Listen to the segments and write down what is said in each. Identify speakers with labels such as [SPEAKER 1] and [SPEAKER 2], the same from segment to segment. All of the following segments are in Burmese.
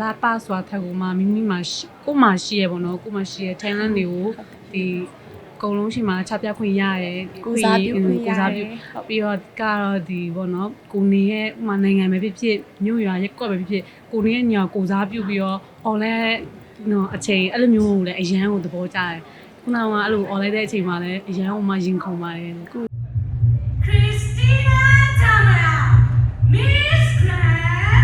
[SPEAKER 1] လားပါစွာထက်ကိုမှမိမိမှာကိုမှရှိရပေါ့နော်ကိုမှရှိရ talent တွေကိုဒီအကုန်လုံးရှိမှချပြခွင့်ရတယ်ကိုစားပြုပြီးတော့ကတော့ဒီပေါ့နော်ကိုနေရဲ့ဥမာနိုင်ငံပဲဖြစ်ဖြစ်မြို့ရွာရက်ကွက်ပဲဖြစ်ဖြစ်ကိုနေရဲ့ညာကိုစားပြုပြီးတော့ online နော်အချိန်အဲ့လိုမျိုးကိုလည်းအရန်ကိုသဘောကျတယ်ခုနကအဲ့လို online တဲ့အချိန်မှာလည်းအရန်ကိုမှရင်ခုန်ပါတယ်
[SPEAKER 2] Christina Tamara Miss Grand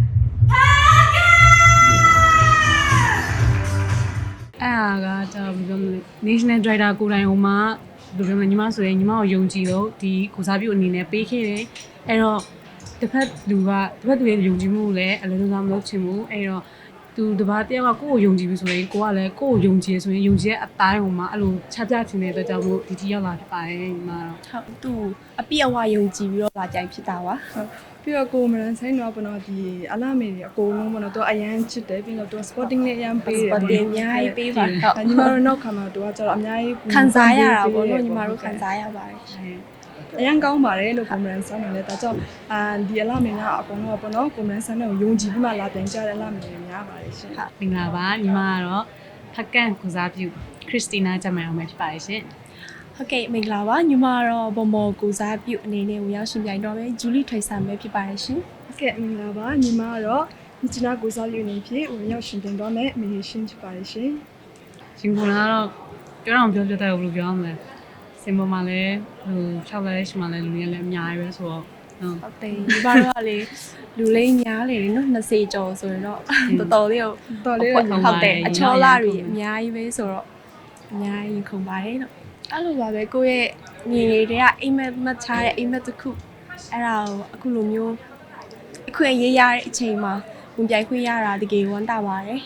[SPEAKER 2] Pagan
[SPEAKER 1] အဲ့ဒါကဘယ်လိုပြောမလဲ National Director ကိုယ်တိုင်ဟိုမှာဘယ်လိုပြောမလဲညီမဆိုရင်ညီမကိုယုံကြည်လို့ဒီကိုစားပြုအနေနဲ့ပေးခဲ့တယ်အဲ့တော့တစ်ဖက်လူရဲ့ယုံကြည်မှုကိုလည်းအလုံးစုံမလုပ်ချင်ဘူးအဲ့တော့သူတပါးတယောက်ကကိုယ့်ကိုယုံကြည်ပြီဆိုရင်ကိုကလည်းကိုယ့်ကိုယုံကြည်ဆိုရင်ယုံကြည်တဲ့အတိုင်းဟိုမှာအဲ့လိုချပြချင်တဲ့အတွက်ကြောင့်မို့ဒီတီရောက်လာဖြစ်ပါတယ်ညီမတော့
[SPEAKER 3] ဟုတ်သူအပြည့်အဝယုံကြည်ပြီးတော့လာကြိုက်ဖြစ်တာပါ
[SPEAKER 4] ပြီးတော့ကိုမရန်ဆိုင်တော့ပေါ့နော်ဒီအလာမေတွေအကုန်လုံးပေါ့နော်သူအရန်ချစ်တယ်ပြီးတော့သူ sporting နဲ့အရန်ပေးတယ်
[SPEAKER 3] sporting အများကြီးပေးပါဟုတ်
[SPEAKER 4] ညီမတို့နောက်ခါမှာသူကကျတော့အများကြီး
[SPEAKER 3] ခံစားရတာပေါ့နော်ညီမတို့ခံစားရပါတယ်
[SPEAKER 4] အရန်ကောင်းပါတယ်လို့ကိုမရန်ဆိုင်နေတယ်ဒါကြောင့်ဒီအလာမေကအကုန်လုံးပေါ့နော်ကိုမရန်ဆိုင်ကိုယုံကြည်ပြီးမှလာပြန်ကြတဲ့အလာမေတွေများပါတယ်ရှင်
[SPEAKER 1] ဟုတ်မင်္ဂလာပါညီမကတော့ဖက်ကန်ကိုစားပြုခရစ်စတီနာဂျမိုင်အောင်ပဲဖြစ်ပါတယ်ရှင်
[SPEAKER 3] ဟုတ်ကဲ့မင်္ဂလာပါညီမကတော့ဘမော်ကိုစားပြုအနေနဲ့ဝင်ရောက်ရှင်ပြိုင်တော့မယ်ဂျူလီထွေဆာပဲဖြစ်ပါတယ်ရှင်
[SPEAKER 4] ဟုတ်ကဲ့မင်္ဂလာပါညီမကတော့မြစ်ချနာကိုစားပြုအနေဖြင့်ဝင်ရောက်ရှင်တင်တော့မယ်အမေရှင်ဖြစ်ပါတယ်ရှင်
[SPEAKER 1] ရှင်ကကတော့ပြောတော့ပြောတဲ့ဘယ်လိုပြောရမလဲစင်ပေါ်မှာလည်းဟို6လဲရှိမှလည်းလူတွေလည်းအများကြီးပဲဆိုတော့
[SPEAKER 3] ဟုတ်တယ်ဒီဘာတော့လေလူလေးများလေနော်20ကျော်ဆိုရင်တော့တော်တော်လေးဟုတ်တယ်အချောလာတွေအများကြီးပဲဆိုတော့အများကြီးခုန်ပါတယ်နော်အဲ့လိုပါပဲကိုယ့်ရဲ့ညီလေးတွေကအိမ်မက်မှတ်ထားတဲ့အိမ်မက်တစ်ခုအဲ့ဒါကိုအခုလိုမျိုးအခွင့်ရေးရတဲ့အချိန်မှာဝင်ပြိုင်ခွင့်ရတာတကယ်ဝမ်းသာပါတယ်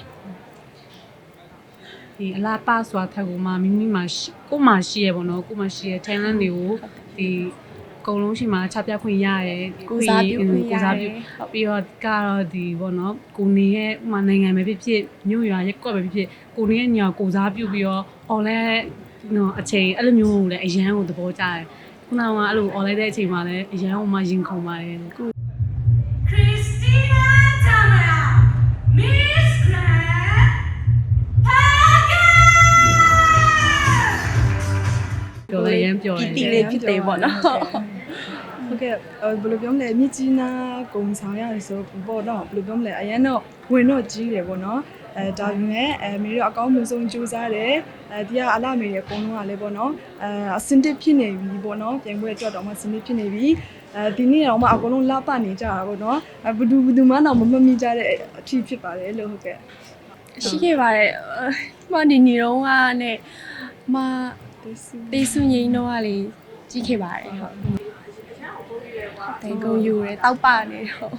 [SPEAKER 1] ဒီအလားပါစွာထက်ကိုမှမိမိမှာကိုမှရှိရပေါ့နော်ကိုမှရှိရ talent တွေကိုဒီအကုန်လုံးရှိမှချပြခွင့်ရတယ်
[SPEAKER 3] ကိုစားပြုပြီးတော့
[SPEAKER 1] ကတော့ဒီပေါ့နော်ကိုနေရဲ့ဥမာနိုင်ငံပဲဖြစ်ဖြစ်မြို့ရွာရက်ကွက်ပဲဖြစ်ဖြစ်ကိုနေရဲ့ညာကိုစားပြုပြီးတော့ online နော်အချိန်အဲ့လိုမျိုးကိုလည်းအရန်ကိုသဘောကျတယ်ခုနကအဲ့လို online တဲ့အချိန်မှာလည်းအရန်ကိုမှရင်ခုန်ပါတယ်
[SPEAKER 2] Christina Tamara Miss Grand Pagan
[SPEAKER 1] ပြောလိုက်ရင်ပြောတယ်
[SPEAKER 3] တီလေးဖြစ်တယ်ပေါ့နော်
[SPEAKER 4] ဟုတ်ကဲ့ဘယ်လိုပြောမလဲမြစ်ကြီးနားကုံဆောင်ရတယ်ဆိုပေါ့နော်ဘယ်လိုပြောမလဲအရင်တော့ဝင်တော့ကြီးတယ်ပေါ့နော်ဒါပေမဲ့မေတို့အကောင်းဆုံးကြိုးစားတယ်ဒီကအလာမေတွေအကုန်လုံးကလည်းပေါ့နော်အစင်တစ်ဖြစ်နေပြီပေါ့နော်ပြန်ခွဲအတွက်တော့မှစင်တစ်ဖြစ်နေပြီဒီနေ့တော့မှအကုန်လုံးလှပနေကြတာပေါ့နော်ဘယ်သူမှတော့မမှတ်မိကြတဲ့အထီးဖြစ်ပါတယ်လို့ဟုတ်ကဲ့
[SPEAKER 3] ရှိခဲ့ပါတယ်မဒီနေတော့ကနဲ့မတေးစုငိမ့်တော့ကလေကြီးခဲ့ပါတယ်ဟုတ်တယ်ကိုယူရဲတောက်ပနေတော့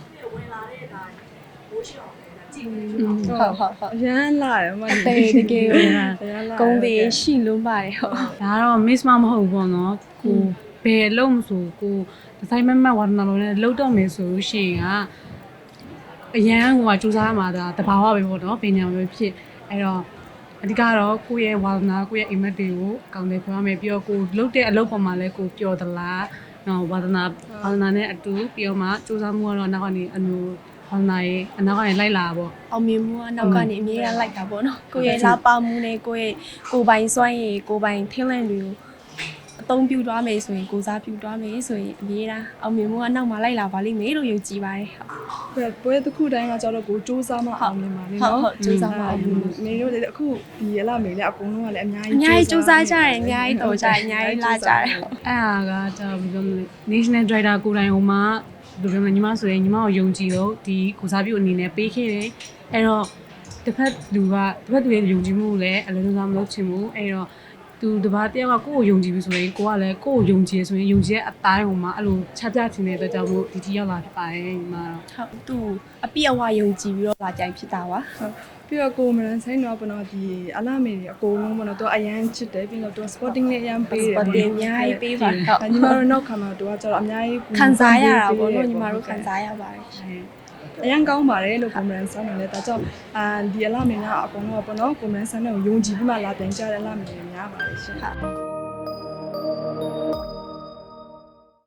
[SPEAKER 3] ဟုတ်
[SPEAKER 4] ရမ်းလာတယ်မ
[SPEAKER 3] တေးတကယ်ကုန်းသေးရှိလုံးပါတယ်ဟုတ်
[SPEAKER 1] ဒါတော့ miss မဟုတ်ဘူးပေါ့နော်ကိုဘယ်လုံးမဆိုကိုဒီဇိုင်းမဝါဒနာလုံးနဲ့လောက်တော့မယ်ဆိုလို့ရှိရင်ကအရန်ဟိုကစူးစမ်းမှာဒါတဘာဝပဲပေါ့နော်ပညာပဲဖြစ်အဲ့တော့အဓိကတော့ကိုယ့်ရဲ့ဝါဒနာကိုယ့်ရဲ့ image တွေကိုအကောင့်တွေပြောရမယ်ပြီးတော့ကိုလုတ်တဲ့အလုပ်ပေါ်မှာလည်းကိုပျော်သလားနော်ဝါဒနာနဲ့အတူပြီးတော့မှစူးစမ်းမှုကတော့နောက်ကနေအမျိုးဝါဒနာရဲ့အနောက်ကနေလိုက်လာပေါ့
[SPEAKER 3] အောင်မြင်မှုကနောက်ကနေအမြဲတမ်းလိုက်တာပေါ့နော်ကိုယ့်ရဲ့လာပါမှုနဲ့ကိုယ့်ရဲ့ကိုယ်ပိုင်စွမ်းရည်ကိုယ်ပိုင် talent တွေကိုအသုံးပြုသွားမယ်ဆိုရင်ကိုစားပြုသွားမယ်ဆိုရင်အမြဲတမ်းအောင်မြင်မှုကနောက်မှာလိုက်လာပါလိမ့်မယ်လို့ယုံကြည်ပါတယ်
[SPEAKER 4] ဟုတ်ပွဲတစ်ခုတိုင်းကကြတော့ကိုစူးစမ်းမှအောင်မြင်ပါလိမ့်နော်
[SPEAKER 3] ဟုတ်စူးစမ်းမှအောင်မြင်
[SPEAKER 4] မေတို့လည်းအခုဒီအလားမေလည်းအကုန်လုံးကလည်းအများ
[SPEAKER 3] ကြီးစူးစမ်းကြတယ်အများကြီးတော်ကြတယ်အများကြီးလာကြတယ်
[SPEAKER 1] အဲ့ဒါကဘယ်လိုပြောမလဲ National Director ကိုယ်တိုင်ဟိုမှာဘယ်လိုပြောမလဲညီမဆိုရင်ညီမကိုယုံကြည်လို့ဒီကိုစားပြုအနေနဲ့ပေးခဲ့တယ်အဲ့တော့တစ်ဖက်လူရဲ့ယုံကြည်မှုကိုလည်းအလုံးစုံမလုပ်ချင်ဘူးအဲ့တော့သူတပါးတယောက်ကကိုယ့်ကိုယုံကြည်ပြီဆိုရင်ကိုကလည်းကိုယ့်ကိုယုံကြည်ဆိုရင်ယုံကြည်တဲ့အတိုင်းဟိုမှာအဲ့လိုချပြချင်တဲ့အတွက်ကြောင့်မို့ဒီတီရောက်လာဖြစ်ပါတယ်ညီမတော့
[SPEAKER 3] ဟုတ်သူအပြည့်အဝယုံကြည်ပြီးတော့လာကြိုက်ဖြစ်တာပါ
[SPEAKER 4] ဟုတ်ပြီးတော့ကိုမရန်ဆိုင်တော့ပေါ့နော်ဒီအလာမေတွေအကုန်လုံးပေါ့နော်သူအရန်ချစ်တယ်ပြီးတော့သူ sporting နဲ့အရန်ပေးတယ်
[SPEAKER 3] sporting အများကြီးပေးပါဟုတ်
[SPEAKER 4] ညီမတို့နောက်ခါမှာသူကကျတော့အများကြီး
[SPEAKER 3] ခံစားရတာပေါ့နော်ညီမတို့ခံစားရပါတယ်
[SPEAKER 4] အရန်ကောင်းပါတယ်လို့ကိုမရန်ဆိုင်နေတယ်ဒါကြောင့်ဒီအလာမေကအကုန်လုံးပေါ့နော်ကိုမရန်ဆိုင်ကိုယုံကြည်ပြီးမှလာပြန်ကြတဲ့အလာမေတွေများပါတယ်ရှင်